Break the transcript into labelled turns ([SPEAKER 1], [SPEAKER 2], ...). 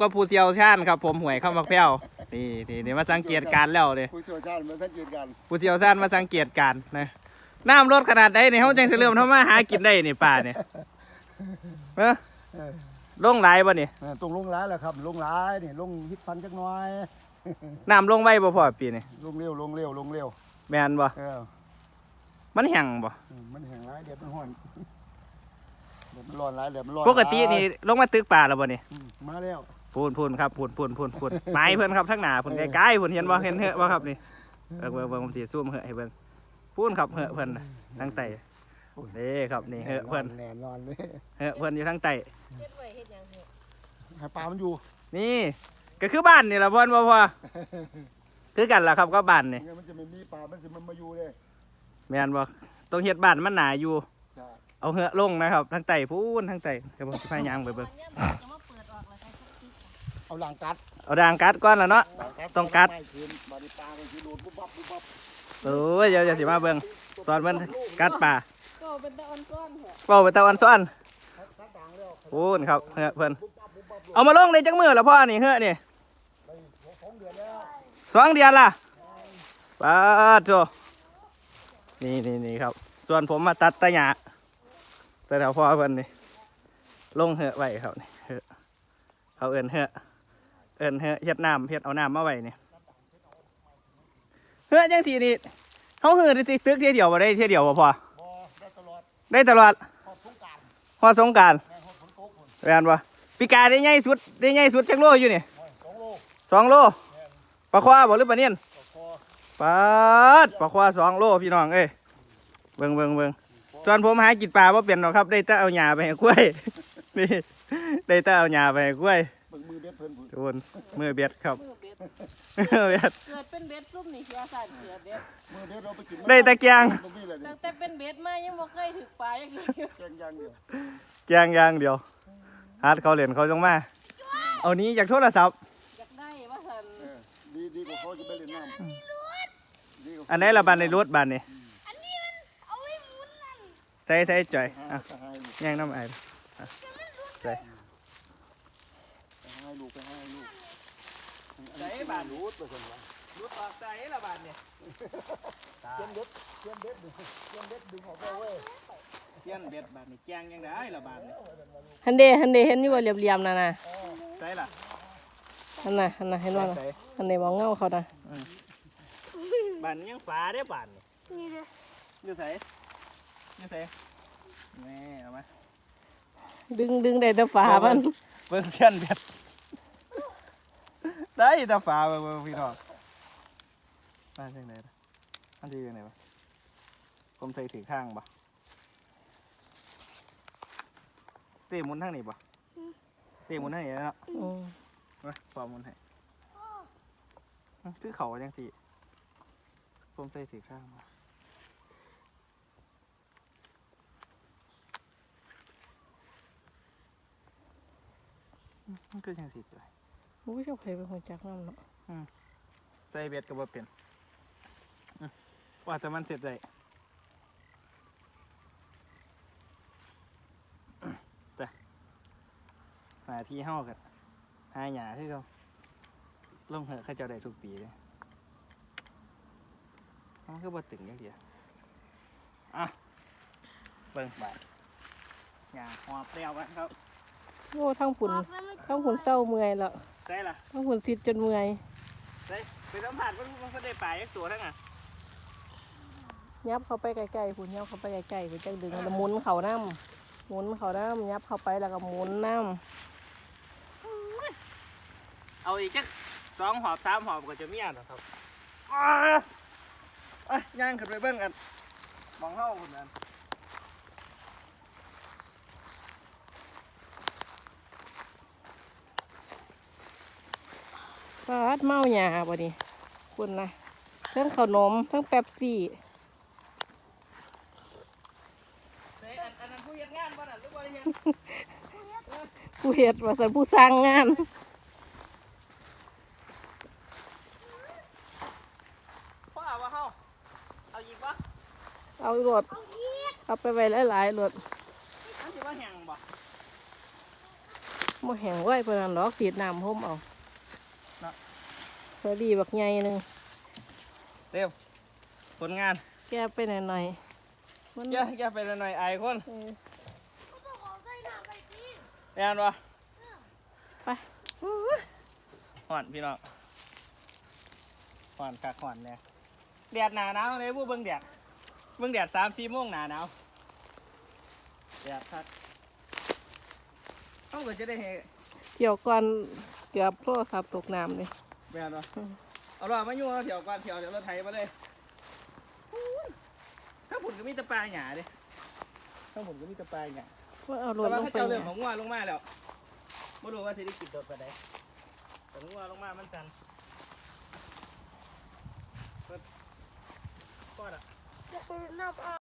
[SPEAKER 1] กับผู้เชี่ยวชาญครับผมหวยเข้ามาแพ้วนี่มาสังเกตการแล้วเลย
[SPEAKER 2] ผู้เชี่ยวชาญมาสังเกตการ
[SPEAKER 1] ผู้เชี่ยวชาญมาสังเกตการนะน้ำลดขนาดใดนี่เขาจังสิเริ่มทำมาหากินได้นี่ป่าเนี่ยลงไหลบ่นี่
[SPEAKER 2] ตรงลงร้ายแหละครับลงร้ายนี่ลงฮิตพันจักน้อย
[SPEAKER 1] น้ำลงไว้บ่พอปีนี่
[SPEAKER 2] ลงเร็ว
[SPEAKER 1] แม่นบ่มันแห้งบ่
[SPEAKER 2] มันแห้งร้ายเดี๋ยวมันห้อนเดี๋ยวมันร้อนร้ายเดี๋ยวมันร้อน
[SPEAKER 1] ปกตินี่ลงมาตึกป่าแล้วบ่นี่
[SPEAKER 2] มาแล้ว
[SPEAKER 1] พูนครับพูนไม้เพิ่นครับทั้งหน้าพูนใกล้ๆพูนเห็นบ่เห็นเหอะบ่ครับนี่เบิ่งผมสิซูมเหอะให้เบิ่งพูนครับเหอะเพิ่นทั้งไตนี่ครับนี่เหอะเพิ่น
[SPEAKER 2] แน่นอนเลย
[SPEAKER 1] เหอะเพิ่นอยู่ทั้งไต
[SPEAKER 2] ให้ปลามันอยู่
[SPEAKER 1] นี่ก็คือบ้านนี่ล่ะเพิ่นบ่พอคือกันล่ะครับก็บ้านนี่
[SPEAKER 2] มันจะไม่มีปลามันสิมันมาอยู่เลย
[SPEAKER 1] แม่นบ่ต้องเฮ็ดบ้านมันหนาอยู่เอาเหอะลงนะครับทั้งไตพูนทั้งไตเดี๋ยวผมสิพยายามไปเบิ่ง
[SPEAKER 2] เอาด่างกัด
[SPEAKER 1] ก่อนล่ะเนาะต้องกัดโอ้ยเดี๋ยวสิมาเบิ่งตอนมันกัดปลา
[SPEAKER 3] ก็เป็นตะออนซ้อนเหรอ
[SPEAKER 1] ก็เป็นตะออนซ้อนพูนครับเหอะเพิ่นเอามาลงในจังมือแล้วพ่อนี่เหอะนี่2 เดือนล่ะปาดโตนี่ครับส่วนผมมาตัดตะหยาแต่แถวพ่อเพิ่นนี่ลงเหอะไว้ครับนี่เหอะเขาเอิ้นเหอะเฮ็ดน้ำเฮ็ดเอาน้ำมาไว้นี่เหอะจังสีนี่เขาเหอะตึกเที่ยวเดียวบ่ได้เที่ยวเดียวบ่พอได้ตลอดฮอดสงกรานต์แม่นบ่ปีกาได้ใหญ่สุดจักโลอยู่นี่2 โลปลาควาบ่หรือปลาเนียนปลาควา2 โลพี่น้องเอ้ยเบิ่งส่วนผมหากินปลาบ่เป็นหรอกครับได้แต่เอาหญ้าไปให้กล้วยนี่ได้แต่เอาหญ้าไปให้กล้วยโดนมือเบ็ดครับ
[SPEAKER 3] เบ็ดเกิดเป็นเบ็ดซุ่มนี่เสียสั่นเสียเบ็ด
[SPEAKER 1] ได้แต่แกง
[SPEAKER 3] ตั้งแต่เป็นเบ็ดมายังบ่เคยถึกปลาอย่างนี้
[SPEAKER 1] แกงอย่างเดียวฮาร์ดเขาเหรียญเขาจงมาเอานี้จากโทรศัพท์
[SPEAKER 3] อยากได้ว่าสั่น
[SPEAKER 2] ดีกว่าเขาจะไปเล่นน้ำ
[SPEAKER 1] อันไหนละบานในรถบานนี่
[SPEAKER 4] อันนี้มันเอาไว้หมุนนั่น
[SPEAKER 1] ใส่จ่อยแย่งน้ำไอ้ใส่
[SPEAKER 2] ให้ลูก
[SPEAKER 1] ใส่บานรูดออกใส่ละบานเนี่ย
[SPEAKER 2] เทียนเบ็ดดึงออกไปเว้ย
[SPEAKER 1] เทียนเบ็ดบานนี่แกงยังไงละบานนี่
[SPEAKER 3] ฮันเดเห็นอยู่ว่าเหลี่ยมๆน่ะ
[SPEAKER 1] ใส่ละ
[SPEAKER 3] ฮันน่ะเห็นว่าฮันเดมองเงาเขานะ
[SPEAKER 1] บานยังฟ้าได้บาน
[SPEAKER 4] นี่เลย
[SPEAKER 1] อยู่ใส่แม่เอามา
[SPEAKER 3] ดึงได้แต่ฝามัน
[SPEAKER 1] เบิ่งเทียนเบ็ดได้แต่ฝาเบิ่งพี่น้องบ้านยังไงอันที่ยังไงวะผมใส่ถือข้างบ่เตะมุนทางนี้บ่เตะมุนทางนี้แล้วเนาะมาปอมุนให้คือเขาจังสิผมใส่ถือข้างบ่มันคือจังสิเลย
[SPEAKER 3] โอ้ยเจ้าใครเป็นคนจักน้ำเนาะ
[SPEAKER 1] ใส่เบ็ดก็บ่เป็นว่าแต่มันเสร็จได้แต่หาที่เฮ้ากันหาหญ้าที่เขาลงเหอะเขาเจ้าได้ทุกปีเลยมันคือบ่ตึงอย่างเดียวเบิ่งบาดหญ้าหอบแล้วกันครับ
[SPEAKER 3] โอ้ทั้งฝุ่นเศร้าเมื่อยแล้ว
[SPEAKER 1] ใช่ล่ะ
[SPEAKER 3] ทั้งฝุ่นซิดจนเมื่อย
[SPEAKER 1] ไปสัมผัสมันได้ปลาอีกตัวทั้งอ่ะ
[SPEAKER 3] ยับเข้าไปใกล้ๆฝุ่นยับเข้าไปใกล้ๆฝุ่นจังดึงแล้วหมุนเข่าน้ำยับเข้าไปแล้วก็หมุนน้
[SPEAKER 1] ำเอาอีกจัก2 หอบ 3 หอบก็จะมีอ่ะครับย่างขึ้นไปเบิ่งกันมองเท่าคนนั้น
[SPEAKER 3] ปลาเมาหยาบ่ดิคุณนะทั้งขนมทั้งแป๊บซี่
[SPEAKER 1] อันนั้นผู้เฮ็ดงานบ่น่ะหรือบ่เฮ็ด
[SPEAKER 3] ผู้เฮ็ดว่าซั่นผู้สร้างงาน
[SPEAKER 1] พ่อว่าเฮาเอาอีกบ่
[SPEAKER 3] เอารถเอาไปไว้หลายๆรถ
[SPEAKER 1] มันสิว่าแห้งบ่
[SPEAKER 3] บ่แห้งไว้เพิ่นนั่นดอกสีดน้ำห่มเอาพอดีบักใหญ่หนึง
[SPEAKER 1] เร็วผลงาน
[SPEAKER 3] แก้ไปหน่อยๆมัน
[SPEAKER 1] แกไปหน่อยๆอายคน
[SPEAKER 3] เออ
[SPEAKER 4] ก็ต้องขอใส่น้ำไปสิ
[SPEAKER 1] แม่นบ่
[SPEAKER 3] ไป
[SPEAKER 1] ห่อนพี่น้องห่อนคักห่อนเนี่ยแดดหนาหนาวเลยผู้เบิ่งแดด3-4 โมงหนาหนาวแดดคักเขาก็จะได้เห็น
[SPEAKER 3] เที่ยวก่อนเกือบโทรศัพท์ตกน้ำเลย
[SPEAKER 1] แม่นบ่เอาล่ะมาอยู่เอาเที่ยวก่อนเที่ยวเดี๋ยวรถไถมาเลยถ้าผุนก็มีแตะปลาหยาเด้ถ้าผุนก็มีแตะปลาหยา
[SPEAKER 3] ว่าเอาร
[SPEAKER 1] แต่
[SPEAKER 3] ถ
[SPEAKER 1] ว่า
[SPEAKER 3] ลง
[SPEAKER 1] ถ้า
[SPEAKER 3] ไป
[SPEAKER 1] เจ้า
[SPEAKER 3] เนี่
[SPEAKER 1] เรื่อย งของงัวลงมาแล้วไม่รู้ว่าสิได้กินโดดไปไหนแต่งัวลงมามันสั่นก็อ่ะ
[SPEAKER 4] จะไปนับเอา